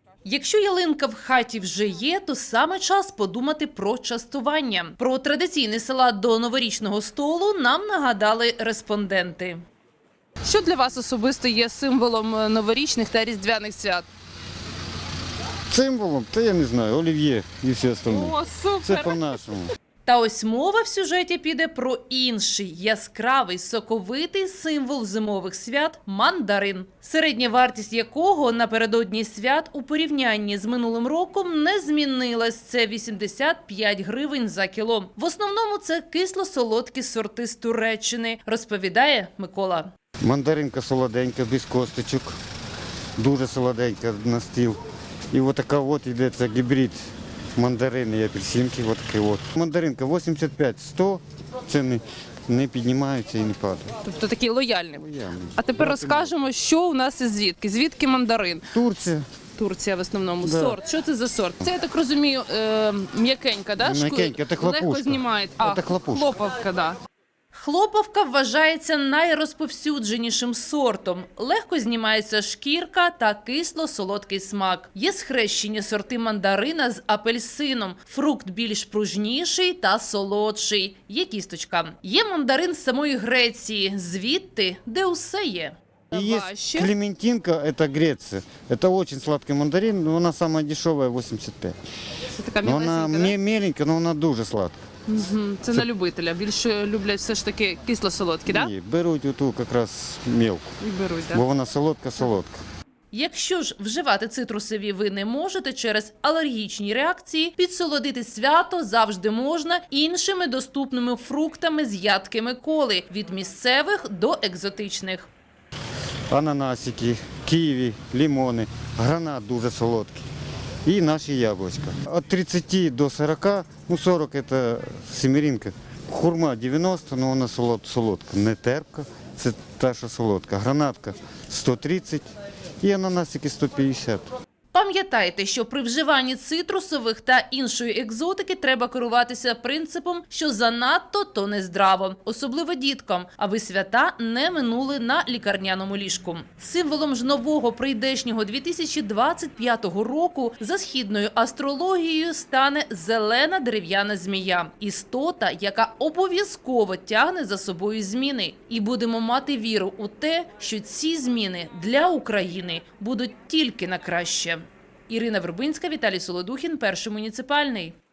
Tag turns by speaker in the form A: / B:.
A: Якщо ялинка в хаті вже є, то саме час подумати про частування. Про традиційний салат до новорічного столу нам нагадали респонденти.
B: Що для вас особисто є символом новорічних та різдвяних свят?
C: Символом, та я не знаю, олів'є і все остальне.
B: О,
C: Це
B: супер!
C: по-нашому.
A: Та ось мова в сюжеті піде про інший яскравий, соковитий символ зимових свят – мандарин. Середня вартість якого напередодні свят у порівнянні з минулим роком не змінилась. Це 85 гривень за кіло. В основному це кисло-солодкі сорти з Туреччини, розповідає Микола.
C: Мандаринка солоденька, без косточок, дуже солоденька на стіл. І от така от йде це гібрид мандарини і апельсинки. От такий от. Мандаринка 85-100, ціни не піднімаються і не падають.
B: Тобто такий лояльний.
C: Лояльний.
B: А тепер розкажемо, що у нас і звідки. Звідки мандарин?
C: Турція.
B: Турція в основному.
C: Да.
B: Сорт. Що це за сорт? Це, я так розумію, м'якенька, да?
C: М'якенька, це хлопушка.
B: Легко знімає.
C: Це хлопушка.
B: Хлоповка, да.
A: Хлоповка вважається найрозповсюдженішим сортом. Легко знімається шкірка та кисло-солодкий смак. Є схрещені сорти мандарина з апельсином. Фрукт більш пружніший та солодший. Є кісточка. Є мандарин з самої Греції, звідти, де усе є.
C: И есть
B: Овощи.
C: клементинка, это Греция. Это очень сладкий мандарин, но она самая дешевая, 85.
B: Це така
C: Но она
B: м'якенька, да?
C: меленькая, но она дуже сладка.
B: Мгм. Це на любителя. Більше люблять все ж таки кисло-солодкі, так? Да?
C: Ні, беруть оту якраз мелку,
B: І беруть, так.
C: бо вона солодка-солодка.
A: Якщо ж вживати цитрусові ви не можете через алергічні реакції, підсолодити свято завжди можна іншими доступними фруктами з ядкими коли – від місцевих до екзотичних.
C: Ананасики, ківі, лимони, гранат дуже солодкий. І наші яблучка. От 30 до 40, ну 40 це семеринка. Хурма 90, но вона солодка, не терпка, це та, що солодка. Гранатка 130 і ананасики 150.
A: Пам'ятайте, що при вживанні цитрусових та іншої екзотики треба керуватися принципом, що занадто – то не здраво. Особливо діткам, аби свята не минули на лікарняному ліжку. Символом ж нового прийдешнього 2025 року за східною астрологією стане зелена дерев'яна змія. Істота, яка обов'язково тягне за собою зміни. І будемо мати віру у те, що ці зміни для України будуть тільки на краще. Ірина Вербинська, Віталій Солодухін, Перший муніципальний.